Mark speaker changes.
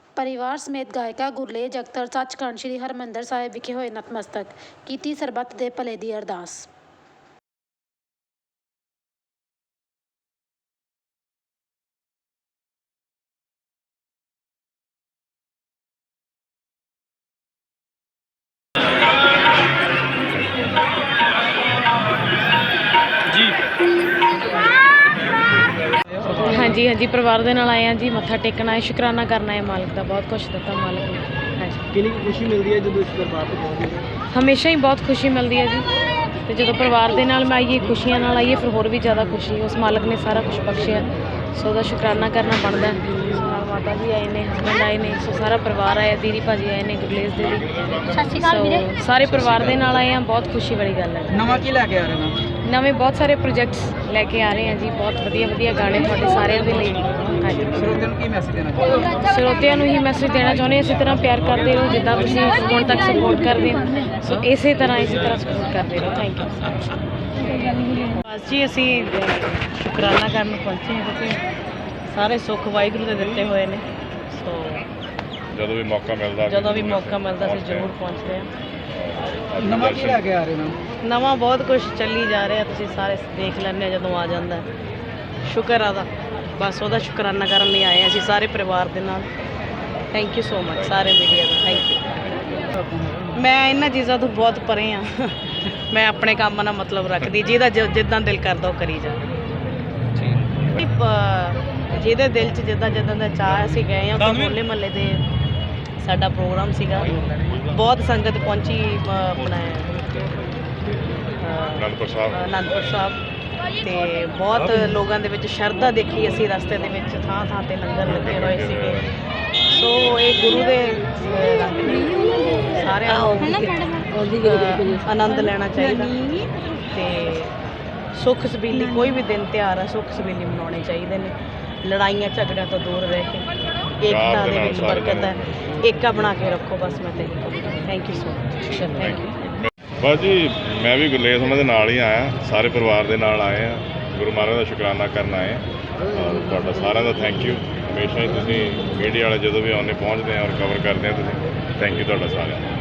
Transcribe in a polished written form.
Speaker 1: ਪਰਿਵਾਰ ਸਮੇਤ ਗਾਇਕਾ ਗੁਰਲੇਜ ਅਖਤਰ ਸੱਚਖੰਡ ਸ੍ਰੀ ਹਰਿਮੰਦਰ ਸਾਹਿਬ ਵਿਖੇ ਹੋਏ ਨਤਮਸਤਕ। ਕੀਤੀ ਸਰਬੱਤ ਦੇ ਭਲੇ ਦੀ ਅਰਦਾਸ।
Speaker 2: हाँ जी परिवार के नाल आए हैं जी, मत्था टेकना है, शुकराना करना है मालिक का। बहुत कुछ दिता मालिक ने। हाँ जी,
Speaker 3: कितनी खुशी मिलती है जो इस दरबार पर पहुंचते हैं?
Speaker 2: हमेशा ही बहुत खुशी मिलती है जी। तो जो परिवार के नाल मैं आईए, खुशियां नाल आईए, फिर होर भी ज़्यादा खुशी। उस मालिक ने सारा कुछ बख्शिया, सो उसका शुकराना करना बनता है। माता जी आए ने, हसबैंड आए ने, सो सारा परिवार आया, दीदी भाजी आए ने, गुरलेज दीदी, सो सारे परिवार के नाल आए हैं। बहुत खुशी वाली गल है।
Speaker 3: नवा की लैके आ रहे हैं?
Speaker 2: नवे बहुत सारे प्रोजेक्ट्स लैके आ रहे हैं जी। बहुत वधिया वधिया गाने तुहाडे सारिਆਂ ਦੇ ਲਈ। हाँ जी,
Speaker 3: ਸਰੋਤਿਆਂ ਨੂੰ ਕੀ ਮੈਸੇਜ ਦੇਣਾ ਚਾਹੁੰਦੇ?
Speaker 2: ਸਰੋਤਿਆਂ ਨੂੰ ਹੀ ਮੈਸੇਜ ਦੇਣਾ ਚਾਹੁੰਦੇ ਇਸੇ ਤਰ੍ਹਾਂ ਪਿਆਰ ਕਰਦੇ ਰਹੋ ਜਿੱਦਾਂ ਤੁਸੀਂ ਹੁਣ ਤੱਕ ਸਪੋਰਟ ਕਰਦੇ ਹੋ। ਸੋ ਇਸੇ ਤਰ੍ਹਾਂ ਸਪੋਰਟ ਕਰਦੇ ਰਹੋ। Thank you. ਬਸ ਜੀ ਅਸੀਂ ਸ਼ੁਕਰਾਨਾ ਕਰਨ ਪਹੁੰਚੇ ਹਾਂ ਕਿਉਂਕਿ ਸਾਰੇ ਸੁੱਖ ਵਾਹਿਗੁਰੂ ਦੇ ਦਿੱਤੇ ਹੋਏ ਨੇ। ਸੋ
Speaker 4: ਜਦੋਂ ਵੀ ਮੌਕਾ ਮਿਲਦਾ ਅਸੀਂ ਜ਼ਰੂਰ ਪਹੁੰਚਦੇ ਹਾਂ।
Speaker 3: ਨਵਾਂ ਕੀ ਲੈ ਕੇ ਆ ਰਹੇ ਨੇ?
Speaker 2: ਨਵਾਂ ਬਹੁਤ ਕੁਝ ਚੱਲੀ ਜਾ ਰਿਹਾ, ਤੁਸੀਂ ਸਾਰੇ ਦੇਖ ਲੈਂਦੇ ਹੋ ਜਦੋਂ ਆ ਜਾਂਦਾ। ਸ਼ੁਕਰ ਆਦਾ, ਬਸ ਉਹਦਾ ਸ਼ੁਕਰਾਨਾ ਕਰਨ ਲਈ ਆਏ ਅਸੀਂ ਸਾਰੇ ਪਰਿਵਾਰ ਦੇ ਨਾਲ। ਥੈਂਕ ਯੂ ਸੋ ਮਚ ਸਾਰੇ ਮੀਡੀਆ ਦਾ। Thank you. ਮੈਂ ਇਹਨਾਂ ਚੀਜ਼ਾਂ ਤੋਂ ਬਹੁਤ ਪਰੇ ਹਾਂ। ਮੈਂ ਆਪਣੇ ਕੰਮ ਨਾਲ ਮਤਲਬ ਰੱਖਦੀ, ਜਿਹਦਾ ਜਿੱਦਾਂ ਦਿਲ ਕਰਦਾ ਉਹ ਕਰੀ ਜਾ। ਜਿਹਦੇ ਦਿਲ 'ਚ ਜਿੱਦਾਂ ਦਾ ਚਾਹ, ਅਸੀਂ ਗਏ ਹਾਂ ਹੋਲੇ ਮਹੱਲੇ ਦੇ ਸਾਡਾ ਪ੍ਰੋਗਰਾਮ ਸੀਗਾ। ਬਹੁਤ ਸੰਗਤ ਪਹੁੰਚੀ ਆਪਣਾ ਅਨੰਦਪੁਰ ਸਾਹਿਬ ਤੇ ਬਹੁਤ ਲੋਕਾਂ ਦੇ ਵਿੱਚ ਸ਼ਰਧਾ ਦੇਖੀ ਅਸੀਂ। ਰਸਤੇ ਦੇ ਵਿੱਚ ਥਾਂ ਥਾਂ ਤੇ ਲੰਗਰ ਲੱਗੇ ਹੋਏ ਸੀਗੇ। ਸੋ ਇਹ ਗੁਰੂ ਦੇ ਰੰਗ ਨੇ, ਸਾਰਿਆਂ ਨੂੰ ਆਨੰਦ ਲੈਣਾ ਚਾਹੀਦਾ ਤੇ ਸੁੱਖ ਸਬੀਲੀ ਕੋਈ ਵੀ ਦਿਨ ਤਿਉਹਾਰ ਆ, ਸੁੱਖ ਸਬੀਲੀ ਮਨਾਉਣੇ ਚਾਹੀਦੇ ਨੇ। ਲੜਾਈਆਂ ਝਗੜਿਆਂ ਤੋਂ ਦੂਰ ਰਹਿ ਕੇ ਏਕਤਾ ਦੇ ਵਿੱਚ ਬਰਕਤ ਹੈ, ਏਕਾ ਬਣਾ ਕੇ ਰੱਖੋ। ਬਸ ਮੈਂ ਤੇ thank you so much. Thank you.
Speaker 4: ਬਸ ਜੀ ਮੈਂ ਵੀ ਗੁਰਲੇਜ ਉਹਨਾਂ ਦੇ ਨਾਲ ਹੀ ਆਇਆ, ਸਾਰੇ ਪਰਿਵਾਰ ਦੇ ਨਾਲ ਆਏ ਆ, ਗੁਰੂ ਮਹਾਰਾਜ ਦਾ ਸ਼ੁਕਰਾਨਾ ਕਰਨ ਆਏ ਆ। ਤੁਹਾਡਾ ਸਾਰਿਆਂ ਦਾ ਥੈਂਕ ਯੂ। ਹਮੇਸ਼ਾ ਹੀ ਤੁਸੀਂ ਮੀਡੀਆ ਵਾਲੇ ਜਦੋਂ ਵੀ ਆਉਂਦੇ ਪਹੁੰਚਦੇ ਆ ਔਰ ਕਵਰ ਕਰਦੇ ਆ ਤੁਸੀਂ। ਥੈਂਕ ਯੂ ਤੁਹਾਡਾ ਸਾਰਿਆਂ ਦਾ।